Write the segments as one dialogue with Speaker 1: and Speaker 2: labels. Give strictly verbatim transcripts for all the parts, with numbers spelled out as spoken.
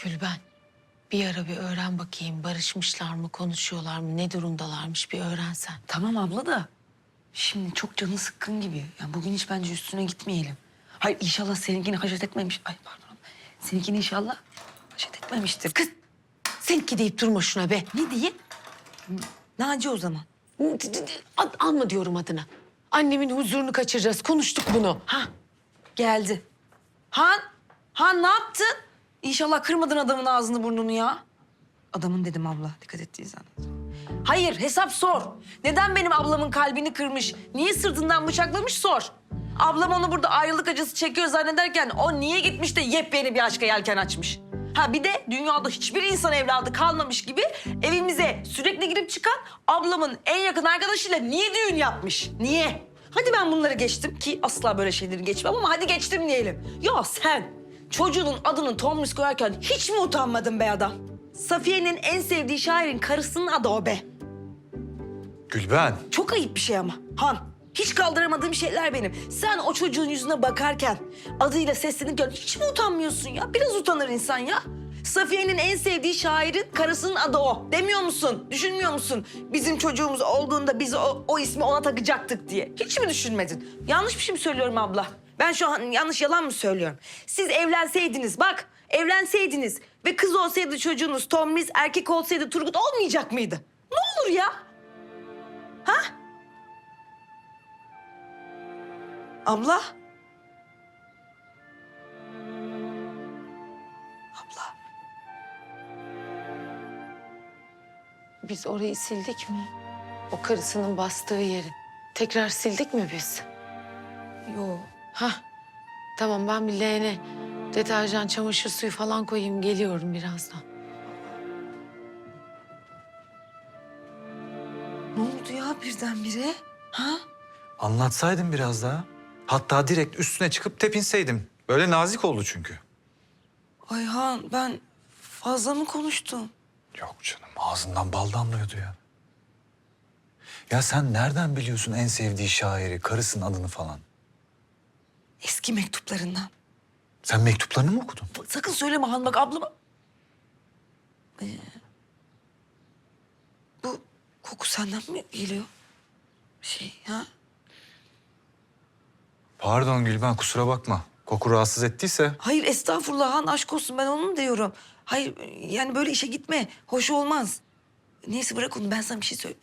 Speaker 1: Gülben, bir ara bir öğren bakayım. Barışmışlar mı, konuşuyorlar mı, ne durumdalarmış bir öğrensen.
Speaker 2: Tamam abla da şimdi çok canı sıkkın gibi. Yani bugün hiç bence üstüne gitmeyelim. Hayır inşallah seninkini haşet etmemiş. Ay pardon. Seninkini inşallah haşet etmemiştir.
Speaker 1: Kız, seninki deyip durma şuna be.
Speaker 2: Ne diyeyim? Naci o zaman.
Speaker 1: Ad, alma diyorum adını. Annemin huzurunu kaçıracağız. Konuştuk bunu.
Speaker 2: Ha geldi. Han, Han ne yaptın? İnşallah kırmadın adamın ağzını burnunu ya. Adamın dedim abla, dikkat ettiği zannediyorum. Hayır, hesap sor. Neden benim ablamın kalbini kırmış? Niye sırtından bıçaklamış sor. Ablam onu burada ayrılık acısı çekiyor zannederken o niye gitmiş de yepyeni bir aşka yelken açmış? Ha bir de dünyada hiçbir insan evladı kalmamış gibi evimize sürekli girip çıkan ablamın en yakın arkadaşıyla niye düğün yapmış? Niye? Hadi ben bunları geçtim ki asla böyle şeyleri geçmem ama hadi geçtim diyelim. Ya sen çocuğunun adını Tomris koyarken hiç mi utanmadın be adam? Safiye'nin en sevdiği şairin karısının adı o be.
Speaker 3: Gülben.
Speaker 2: Çok ayıp bir şey ama Han. Hiç kaldıramadığım şeyler benim. Sen o çocuğun yüzüne bakarken adıyla seslenirken hiç mi utanmıyorsun ya? Biraz utanır insan ya. Safiye'nin en sevdiği şairin karısının adı o. Demiyor musun? Düşünmüyor musun? Bizim çocuğumuz olduğunda biz o, o ismi ona takacaktık diye. Hiç mi düşünmedin? Yanlış bir şey mi söylüyorum abla? Ben şu an yanlış yalan mı söylüyorum? Siz evlenseydiniz bak, evlenseydiniz ve kız olsaydı çocuğunuz Tomris, erkek olsaydı Turgut olmayacak mıydı? Ne olur ya? Ha? Abla? Abla.
Speaker 1: Biz orayı sildik mi? O karısının bastığı yeri. Tekrar sildik mi biz?
Speaker 2: Yo.
Speaker 1: Hah, tamam ben bir leğene deterjan, çamaşır suyu falan koyayım. Geliyorum birazdan.
Speaker 2: Ne oldu ya birdenbire? Ha?
Speaker 3: Anlatsaydın biraz daha. Hatta direkt üstüne çıkıp tepinseydim. Böyle nazik oldu çünkü.
Speaker 2: Ayhan ben fazla mı konuştum?
Speaker 3: Yok canım, ağzından bal damlıyordu ya. Ya sen nereden biliyorsun en sevdiği şairi, karısının adını falan?
Speaker 2: Eski mektuplarından.
Speaker 3: Sen mektuplarını mı okudun?
Speaker 2: Bak, sakın söyleme Han bak ablama. Ee, bu koku senden mi geliyor? Şey ha?
Speaker 3: Pardon Gülben, kusura bakma. Koku rahatsız ettiyse.
Speaker 2: Hayır estağfurullah Han aşk olsun ben onu mu diyorum. Hayır yani böyle işe gitme. Hoş olmaz. Neyse bırak onu ben sana bir şey söyle.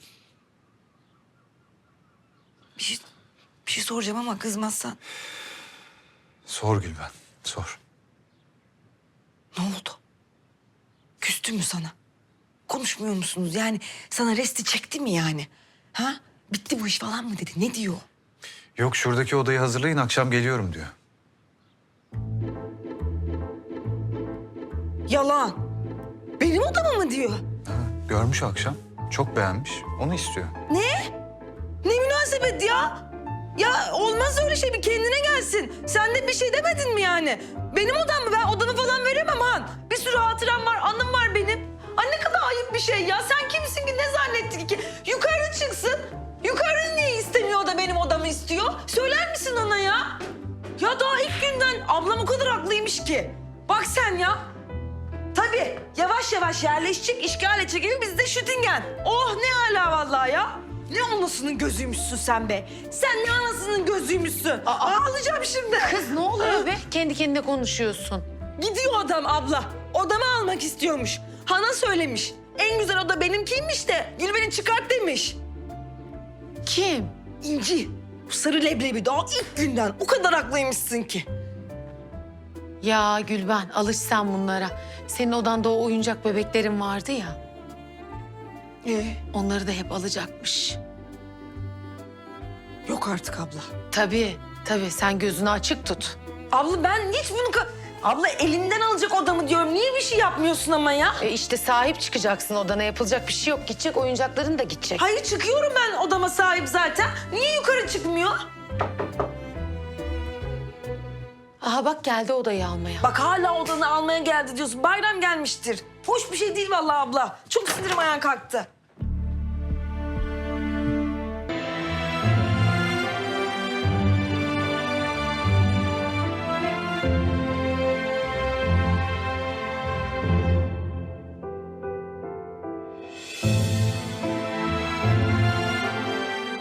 Speaker 2: Bir şey, bir şey soracağım ama kızmazsan.
Speaker 3: Sor Gülben, sor.
Speaker 2: Ne oldu? Küstü mü sana? Konuşmuyor musunuz? Yani sana resti çekti mi yani? Ha? Bitti bu iş falan mı dedi? Ne diyor?
Speaker 3: Yok, şuradaki odayı hazırlayın, akşam geliyorum diyor.
Speaker 2: Yalan. Benim odama mı diyor?
Speaker 3: Ha, görmüş akşam, çok beğenmiş, onu istiyor.
Speaker 2: Ne? Ne münasebet ya? Ya olmaz öyle şey bir kendine gelsin. Sen de bir şey demedin mi yani? Benim odam mı? Ben odamı falan veremem Han. Bir sürü hatıram var, anım var benim. Ay ne kadar ayıp bir şey ya. Sen kimsin ki ne zannettin ki? Yukarı çıksın. Yukarı niye istemiyor da benim odamı istiyor? Söyler misin ona ya? Ya daha ilk günden ablam o kadar haklıymış ki. Bak sen ya. Tabii yavaş yavaş yerleşecek, işgal edecek gibi biz de Şütingen. Oh ne hala vallahi ya. Ne anasının gözüymüşsün sen be. Sen ne anasının gözüymüşsün. Aa, ağlayacağım şimdi.
Speaker 1: Kız ne oluyor be? Kendi kendine konuşuyorsun.
Speaker 2: Gidiyor adam abla. Odamı almak istiyormuş. Han'a söylemiş. En güzel oda benimkiymiş de Gülben'i çıkart demiş.
Speaker 1: Kim?
Speaker 2: İnci. Bu sarı leblebi daha ilk günden o kadar haklıymışsın ki.
Speaker 1: Ya Gülben, alış sen bunlara. Senin odanda o oyuncak bebeklerin vardı ya.
Speaker 2: Ee?
Speaker 1: Onları da hep alacakmış.
Speaker 2: Yok artık abla.
Speaker 1: Tabii, tabii. Sen gözünü açık tut.
Speaker 2: Abla ben hiç bunu... ka- Abla elimden alacak odamı diyorum. Niye bir şey yapmıyorsun ama ya?
Speaker 1: E işte sahip çıkacaksın odana. Yapılacak bir şey yok. Gidecek, oyuncakların da gidecek.
Speaker 2: Hayır çıkıyorum ben odama sahip zaten. Niye yukarı çıkmıyor?
Speaker 1: Aha bak geldi odayı almaya.
Speaker 2: Bak hala odanı almaya geldi diyorsun. Bayram gelmiştir. Hoş bir şey değil vallahi abla. Çok sinirim ayağa kalktı.